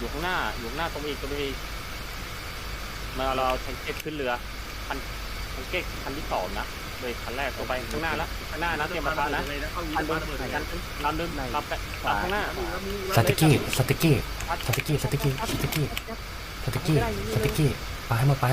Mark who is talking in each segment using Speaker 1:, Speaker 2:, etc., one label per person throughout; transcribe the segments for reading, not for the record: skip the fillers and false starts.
Speaker 1: อยู่ข้างหน้าตรงไปอีกมาเราแทงเก็ตขึ้นเรือคันแทงเก็ตคันที่2นะเลยคันแรกตัวไปข้างหน้านะเตรียมมาทานนะคันลำนึงลำข้างหน้า
Speaker 2: สติกี้ไปให้หมด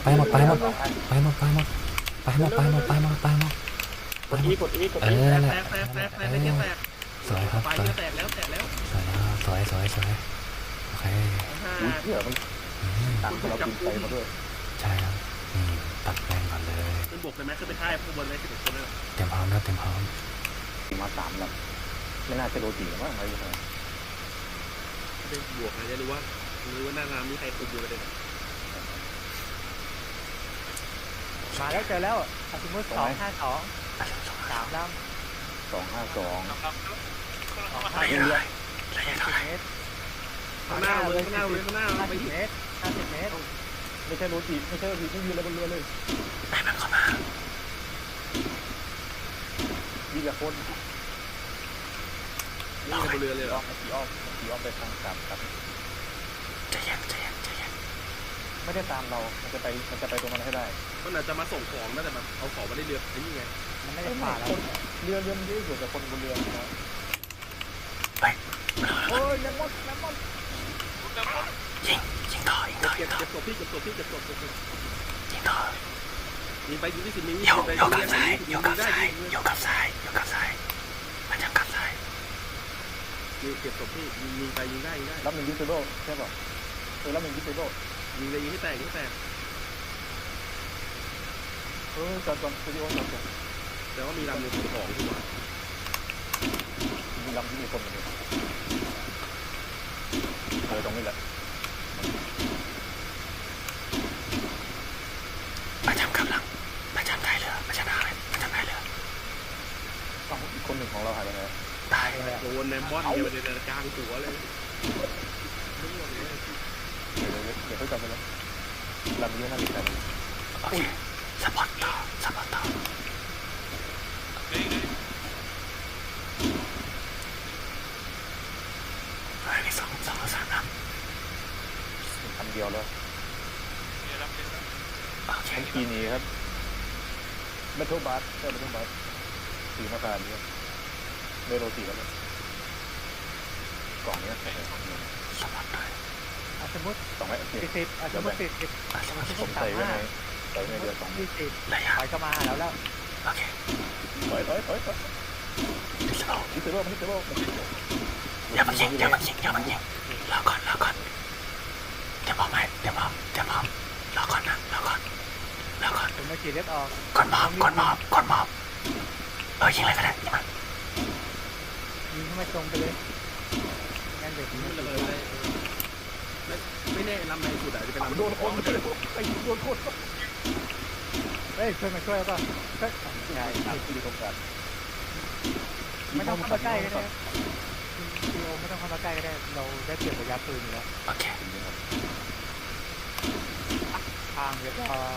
Speaker 1: กดอีแตก
Speaker 2: สวยครับสวย
Speaker 3: แตกแล้ว
Speaker 2: สวยโอเค
Speaker 4: เชื่อมันตังเรากินไปมาด้วย
Speaker 2: ใช่ครับตัดแรงก่อนเลย
Speaker 3: ขึ้นบกเลยไหมขึ้นไปท้ายข้างบนเลย11 คนเลย
Speaker 2: เตรียมพร้อม
Speaker 4: มา3ลำไม่น่าจะโดนตีมั้งอะไรอย่างเงี้ย
Speaker 3: ได้บวกนะจะรู้ว่าหน้าน้ำมีใครคุมอยู่ประเด็น
Speaker 5: มาแล้วเจอแล้วสมมติ252 3ลำ
Speaker 4: 252
Speaker 2: ระยะเท่าไหร่
Speaker 3: ข้างหน้าไป
Speaker 5: 50 เมตร50 เมตร
Speaker 4: ไม่ใช่โรตีไม่มีอะไรบนเรือเลย
Speaker 2: ไปมันเข้ามา
Speaker 4: มีแต่คน
Speaker 3: นี่บนเรือเลยเหรอ
Speaker 4: ขี่อ้อมไปทางกลับ
Speaker 2: ใจเย็น
Speaker 4: ไม่ได้ตามเรามันจะไปตรงนั้นให้ได้
Speaker 3: มันอาจจะมาส่งของนะแต่แบบเอาของมาได้เรือไอ้นี่ไง
Speaker 5: มันไม่ได้ผ่านแล้ว
Speaker 4: เรือมันเยอะอยู่แต่คนบนเรือนะ
Speaker 2: ไป
Speaker 4: โอ้ยแลมอน
Speaker 2: ยิงต่อ
Speaker 3: เก็บศพพี่ยิง
Speaker 2: ต่อ
Speaker 3: ยิงไปยิงที่10 นิ้ว
Speaker 2: โยกกับซ้ายมันจะกลับซ้าย
Speaker 3: เก็บศพพี่ยิงไปยิงได้
Speaker 4: รับ1 ยิงเซโร่ใช่ป่ะรับ1 ยิงเซโร่
Speaker 3: ยิงเลยยิงให้แตก
Speaker 4: จอนสตูดิโอจอน
Speaker 3: แต่ว่ามีลำหนึ่งของดีกว่า
Speaker 4: มีลำที่มีคนอยู่ตรงนี้แหละ
Speaker 2: ประจำกำลังประจำท้ายเรือ
Speaker 4: อีกคนหนึ่งของเราหายไปไหน
Speaker 2: ตาย
Speaker 3: โดนแนมบอนเนี่ยมันจะกลางหัวเลย
Speaker 4: เดี๋ยวเขาจำไปแล้วลำนี้น่าจะใช่
Speaker 2: โอเคสปอตต่อมี2 3นัด
Speaker 4: คำเดียวแล้ว
Speaker 2: โอเค
Speaker 4: ปีนี้ครับเมทัลบัสสีมาตาเนี่ยเมโลตีแล้วกล่องนี้
Speaker 2: สปอตเลย
Speaker 5: สมมติ
Speaker 4: 2
Speaker 5: 40สมมติ40
Speaker 4: ผมใส่ไว้ในเดือน
Speaker 5: 20ระยะถอยเข้ามาแล้ว
Speaker 2: โอเค
Speaker 4: ถอย
Speaker 2: ดิสโลอย่ามายิงรอก่อนเดี๋ยวพร้อมรอก่อน
Speaker 5: ผมมาขี่เล็บออก
Speaker 2: ก่อนมอบยิงอะไรก็ได้ยิง
Speaker 5: เข้ามาตรงไปเลยงั้นเดี๋ยว
Speaker 3: ไม่เลยไม่แน่ลำในสุดอาจจะเป็นลำ
Speaker 4: โดนคน
Speaker 5: เฮ้ยช่วยป่ะ
Speaker 4: ใช่ครับที่ตรงกัน
Speaker 5: ไม่ต้องเข้ามาใกล้ก็ได้ซีโอไม่ต้องเข้ามาใกล้ก็ได้เราได้เปลี่ยนระยะปืนอยู่แล้ว
Speaker 2: โอเค
Speaker 5: ทางเรียบร้อย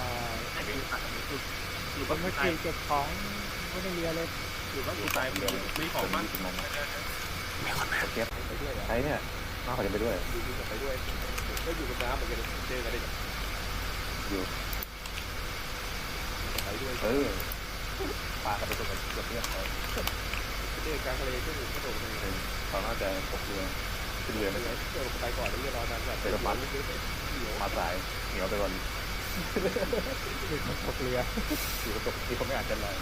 Speaker 5: คนเมื่อกี้เก็บของไม่ได้เรือเลย
Speaker 3: อยู่ก็ตายมีของมัน
Speaker 2: มีคนมา
Speaker 4: เก็บใช้เนี่ยมาเขาจะไปด้วย
Speaker 3: ก็อยู่กับน้ำเหมือนกันเจอกันได้
Speaker 4: อยู่
Speaker 3: ไปด้วย
Speaker 4: ปลากันไปตัวกับเพื่อนเขา
Speaker 3: เจอกลางทะเลก็อยู่กระโดดเลย
Speaker 4: เขาน่าจะตกเรือขึ้นเรือไม่ใช่
Speaker 3: เจอไปก่อนแล้วรอนานแบบ
Speaker 4: ไปกับมันมาสายเหนียวไปก่อน
Speaker 5: ตกเรือ
Speaker 4: อยู่กับตกที่เขาไม่อาจจะลอย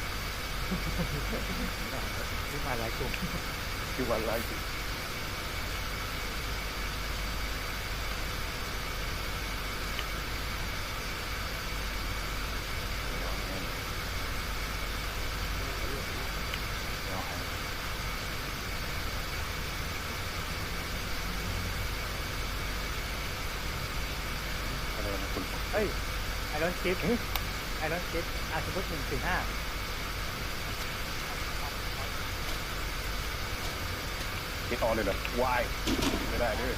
Speaker 5: นี่มาหลายกลุ่ม
Speaker 4: ที่วันไล่
Speaker 5: เฮ้ยไอรอนชิปสมมติ145
Speaker 4: คิดออนเลยเหรอวายไม่ได้ด้วย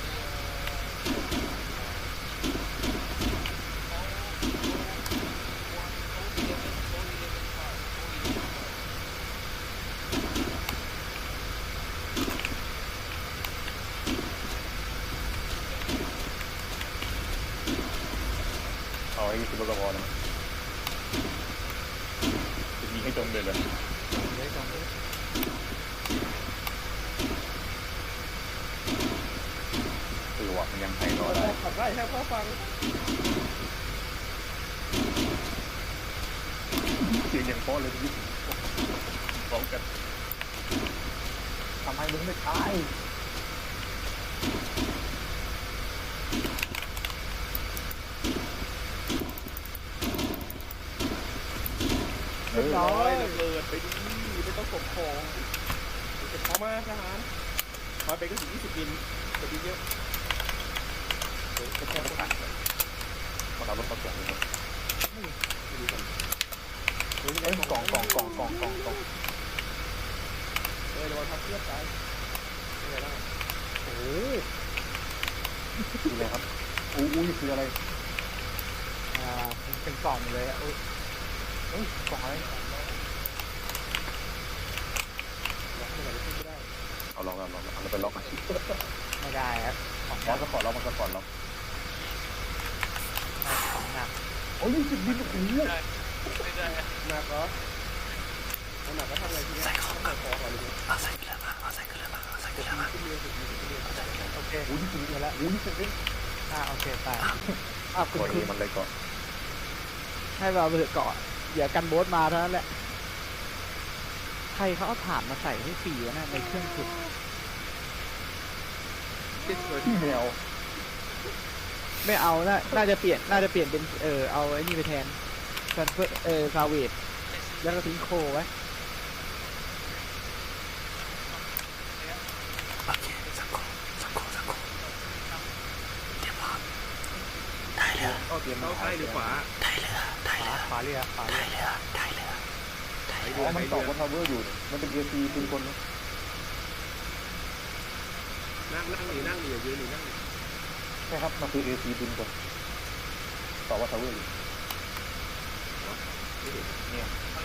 Speaker 4: เอาให้คุณก็พอนะจะยิงให้จมเลยเลย
Speaker 5: เลยสองเลย
Speaker 4: คือว่ามันยังให้รอได้
Speaker 3: ขับได้แค่พ่อฟัง
Speaker 4: เสียงอย่างเพราะเลยยิ่งพร้อมกันทำไมมึงไม่ตายเออ
Speaker 3: ร้อยระเบิดไปดิไม่ต้องส่งของเก็บของมาทหารมาไปก็ถึง20 มิลจะดีเยอะ
Speaker 4: ก็แค่ประกาศมันเอารถมาส่งเลยครับเอ้ยกล่อง
Speaker 3: ระวังทับเทียบตายอะไรบ้าง
Speaker 5: โอ้โห
Speaker 4: คืออะไรครับอุ้ยคืออะไร
Speaker 5: เป็นกล่องเลยอ่ะ
Speaker 4: เฮ้ยกล่องอะไร
Speaker 3: ล็อกไม่ได้ขึ้นไม่ได้
Speaker 4: เอาลองเอาไปล็อกมา
Speaker 5: ไม่ได้ครับของ
Speaker 4: ล็อกสปอร์ตล็อกมันสปอร์ตล็อก
Speaker 5: หนัก
Speaker 4: โอ้ยจุดบินโอ้โห
Speaker 3: หนักเหรอหนักก็ทำอะไรทีนี้
Speaker 2: ใส่ของ
Speaker 3: ใส่ของก่อนเลย
Speaker 2: เอาใส่เกลือมาเอาใส่เกลือมาเอาใส่เกลือมา
Speaker 3: ขึ้นเรือขึ้นเรือ
Speaker 5: โอเค
Speaker 4: โอ้ยจุดบินแล้วโอ้ยจุดบิน
Speaker 5: โอเคไป
Speaker 4: คุณมันเลยก่อน
Speaker 6: ให้เราไปเกาะเดี๋ยวกันโบ๊ทมาเท่านั้นแหละ ใครเขาเอาถ่านมาใส่ให้ฟรีวะนะในเครื่องขุด
Speaker 4: ที่แมว
Speaker 6: ไม่เอาน่าจะเปลี่ยนเป็นเอาไอ้นี่ไปแทนแทนซาเวดแล้วก็ทิ้งโคไว้
Speaker 2: โอเคสักครู่เดี๋ยวพร้อมได้เรือ
Speaker 3: เข้าเตรียมเข้าใต้หรือขวา
Speaker 2: ได้เรือได้เรือ
Speaker 5: ขวาเรือ
Speaker 2: ได้เรือได้เรือ
Speaker 4: อ๋อมันต่อบนทาวเวอร์อยู่มันเป็นเอซีเป็นคน
Speaker 3: นั่งหนียืนหนีนั่งหนี
Speaker 4: ใช่ครับมันคือเอซีเป็นคนต่อว่าทาวเวอร์อยู่เนี่ย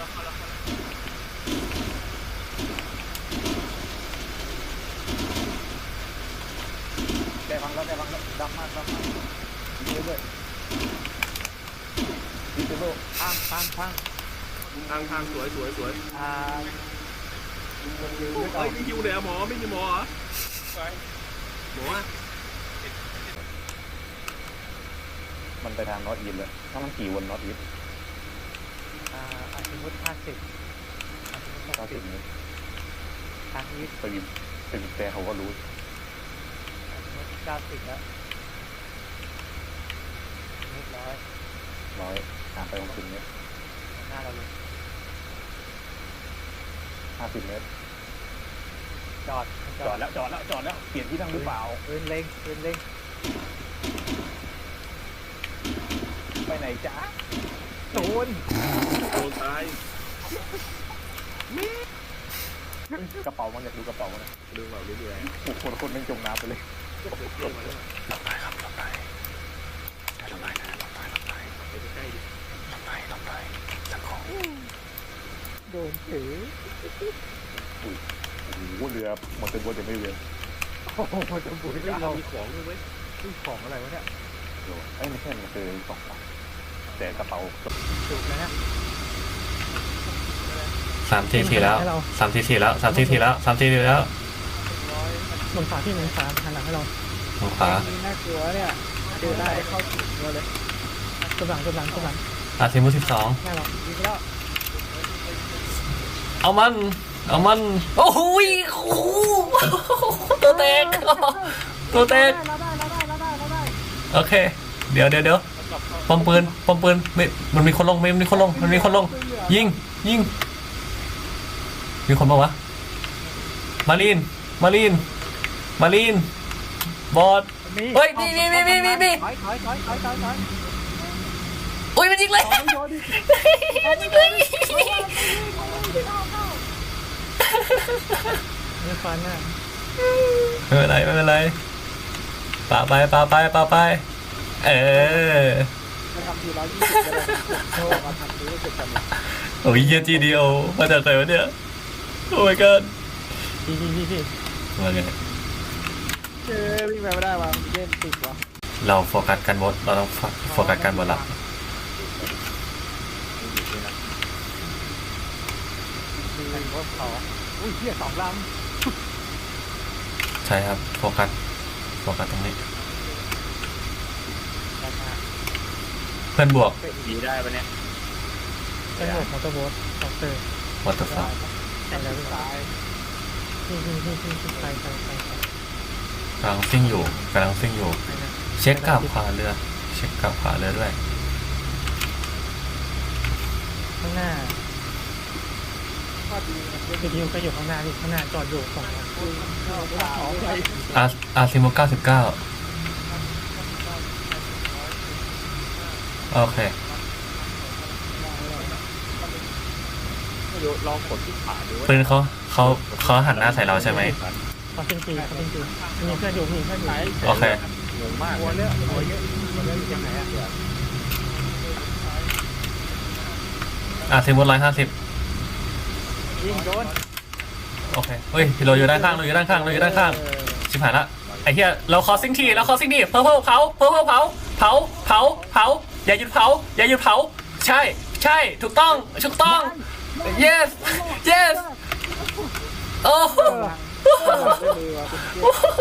Speaker 4: ได้ฟังแล้วดังมากเยอะด้วยดิจิโล
Speaker 5: ข้าง
Speaker 3: ทางสวย
Speaker 5: ยืนไว้ก่อ
Speaker 3: เฮ้ย
Speaker 5: น
Speaker 3: ไม่อยู่เลยหมอไม่มีหมอเหรอหมอ
Speaker 4: มันไปทางนอตอีนเลยถ้ามันขี่วนนอตอีน
Speaker 5: อาชิมุต50
Speaker 4: 90 เมตร
Speaker 5: ทางอีส
Speaker 4: ไปบินแต่เขาก็รู้
Speaker 5: อาชิมุต90แล้วนิด100
Speaker 4: ห่างไป60 เมตร
Speaker 5: หน้าเราเลย
Speaker 4: 50 เมตร
Speaker 5: จอด
Speaker 4: จอดแล้วเปลี่ยนที่นั่งหรือเปล่า
Speaker 5: ปืนเล็ง
Speaker 4: ไปไหนจ๊ะ
Speaker 5: โดน
Speaker 3: ตาย
Speaker 4: กระเป๋ามันอยากดูกระเป๋ามันนะ
Speaker 3: เรื่องแบบเรื่อย
Speaker 4: โอ้โหคนมันจมน้ำไปเลย
Speaker 3: ๆเรื่องมาแล้ว
Speaker 2: ลงไปครับลงไปลงไป
Speaker 3: ไปใกล้ๆดิ
Speaker 2: ลงไปสักครู่
Speaker 6: โดนถือ
Speaker 4: โอ้โหเรือหมดเป็นบนจะไม่เรือ
Speaker 5: โอ้โหจะบุย
Speaker 3: เฮ้ยเรามีของด้วยเว้ย
Speaker 5: ของอะไรวะเนี่ย
Speaker 4: เอ้ยไม่ใช่มันคือ2 ฝั่งแต่กระเป๋า
Speaker 5: จุกเลยนะ
Speaker 2: 3 ทีแล้ว
Speaker 6: ลงฝาที่ลงฝาหันหลังให้เรา
Speaker 2: ลงขวา
Speaker 6: นี่น่ากลัวเนี่ยเจอได้เข้าถึงเราเลยกำลัง
Speaker 2: อาทิมุ12
Speaker 6: แม่เรายิงแล้ว
Speaker 2: เอามันโอ้โหตัวแตก
Speaker 6: เราได้
Speaker 2: โอเคเดี๋ยวปอมปืนไม่มันมีคนลงยิงมีคนบอกวะมารีนบอสเฮ้ยมี
Speaker 5: ถอย
Speaker 2: อุ้ยมันยิงเลย
Speaker 6: มีฟันน่ะ
Speaker 2: ไม่เป็นไรปาไป
Speaker 6: มาทำที120เลยโชว์มาทำทีรู้สึกกัน
Speaker 2: โอ้ยเยี่ยจีดีโอมาจากไหนวะเนี่ยโอ้ my god
Speaker 6: พี่
Speaker 2: ว่าไง
Speaker 6: วิ่งไปไม่ได้ว่ะเล่นติดว่ะ
Speaker 2: เราโฟกัสกันบดเราต้องโฟกัสกันบดหลัก
Speaker 5: บนเขาอุ้ยเหี้ย2 ล
Speaker 2: ใช่ครับโฟกัสตรงนี้
Speaker 5: ำด้านหน้า
Speaker 2: เพื่อนบวก
Speaker 1: ดีได้ปะเนี่ย
Speaker 5: เป็นหมวกมอเตอร์โบ๊ทของเตอร์
Speaker 2: วัตถุฟ้า
Speaker 5: แต่แล้วตายนี่ไป
Speaker 2: กำลังซิ่งอยู่เช็คกลับขวาเรือด้วย
Speaker 5: ข้างหน้า
Speaker 3: ว่าดีนะ
Speaker 5: วิดีโอก็อยู่ข้างหน้าจอดอยู่ฝั่งนั้น
Speaker 2: อาร์ซิโม99โอเค
Speaker 1: ไม่รู้ลองกดที่ขาดู
Speaker 2: ปืนเขาหันหน้าใส่เราใช่ไหม
Speaker 5: เขาจริงมีเพื่อนอยู่มีเพื่อนอยู่
Speaker 2: โอเค
Speaker 1: งงมาก
Speaker 3: หัวเยอะยังไงอ่ะ
Speaker 2: อาร์ซิโม150
Speaker 5: ยิงโดน
Speaker 2: โอเคเฮ้ยเราอยู่ด้านข้างชิบหายละไอ้เหี้ยเราคอซิ่งทีเผาอย่าหยุดเผาใช่ถูกต้อง yes โอ้โห